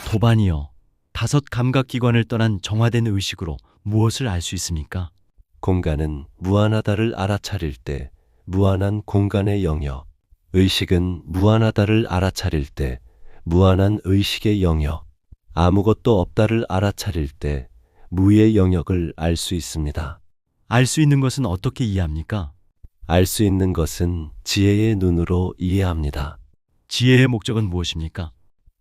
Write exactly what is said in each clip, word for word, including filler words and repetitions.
도반이요. 다섯 감각기관을 떠난 정화된 의식으로 무엇을 알 수 있습니까? 공간은 무한하다를 알아차릴 때 무한한 공간의 영역, 의식은 무한하다를 알아차릴 때 무한한 의식의 영역, 아무것도 없다를 알아차릴 때 무의 영역을 알 수 있습니다. 알 수 있는 것은 어떻게 이해합니까? 알 수 있는 것은 지혜의 눈으로 이해합니다. 지혜의 목적은 무엇입니까?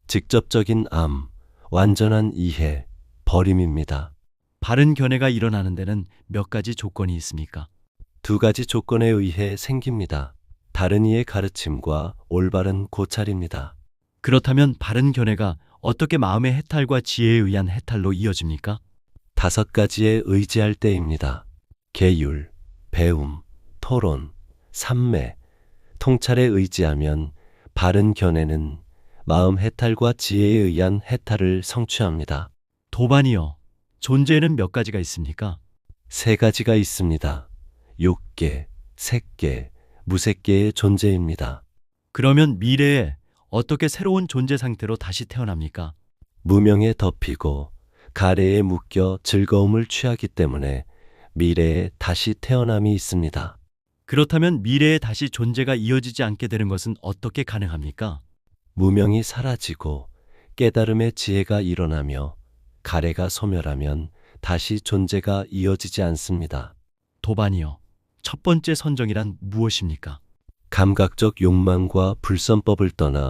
직접적인 암, 완전한 이해, 버림입니다. 바른 견해가 일어나는 데는 몇 가지 조건이 있습니까? 두 가지 조건에 의해 생깁니다. 다른 이의 가르침과 올바른 고찰입니다. 그렇다면 바른 견해가 어떻게 마음의 해탈과 지혜에 의한 해탈로 이어집니까? 다섯 가지에 의지할 때입니다. 계율, 배움, 토론, 삼매, 통찰에 의지하면 바른 견해는 마음 해탈과 지혜에 의한 해탈을 성취합니다. 도반이요. 존재에는 몇 가지가 있습니까? 세 가지가 있습니다. 육계, 색계, 무색계의 존재입니다. 그러면 미래에 어떻게 새로운 존재 상태로 다시 태어납니까? 무명에 덮이고 가래에 묶여 즐거움을 취하기 때문에 미래에 다시 태어남이 있습니다. 그렇다면 미래에 다시 존재가 이어지지 않게 되는 것은 어떻게 가능합니까? 무명이 사라지고 깨달음의 지혜가 일어나며 가래가 소멸하면 다시 존재가 이어지지 않습니다. 도반이요. 첫 번째 선정이란 무엇입니까? 감각적 욕망과 불선법을 떠나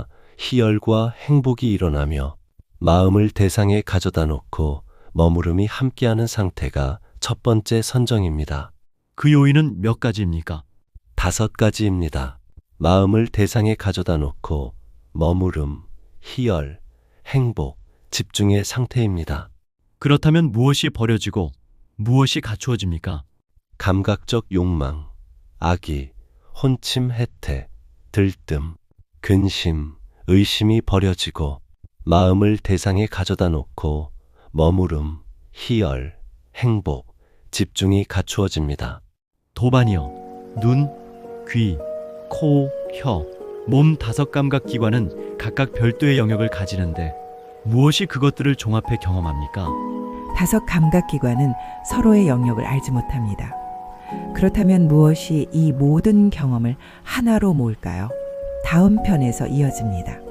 희열과 행복이 일어나며 마음을 대상에 가져다 놓고 머무름이 함께하는 상태가 첫 번째 선정입니다. 그 요인은 몇 가지입니까? 다섯 가지입니다. 마음을 대상에 가져다 놓고 머무름, 희열, 행복, 집중의 상태입니다. 그렇다면 무엇이 버려지고 무엇이 갖추어집니까? 감각적 욕망, 악의, 혼침 해태, 들뜸, 근심, 의심이 버려지고 마음을 대상에 가져다 놓고 머무름, 희열, 행복, 집중이 갖추어집니다. 도반이요. 눈, 귀, 코, 혀, 몸 다섯 감각 기관은 각각 별도의 영역을 가지는데 무엇이 그것들을 종합해 경험합니까? 다섯 감각기관은 서로의 영역을 알지 못합니다. 그렇다면 무엇이 이 모든 경험을 하나로 모을까요? 다음 편에서 이어집니다.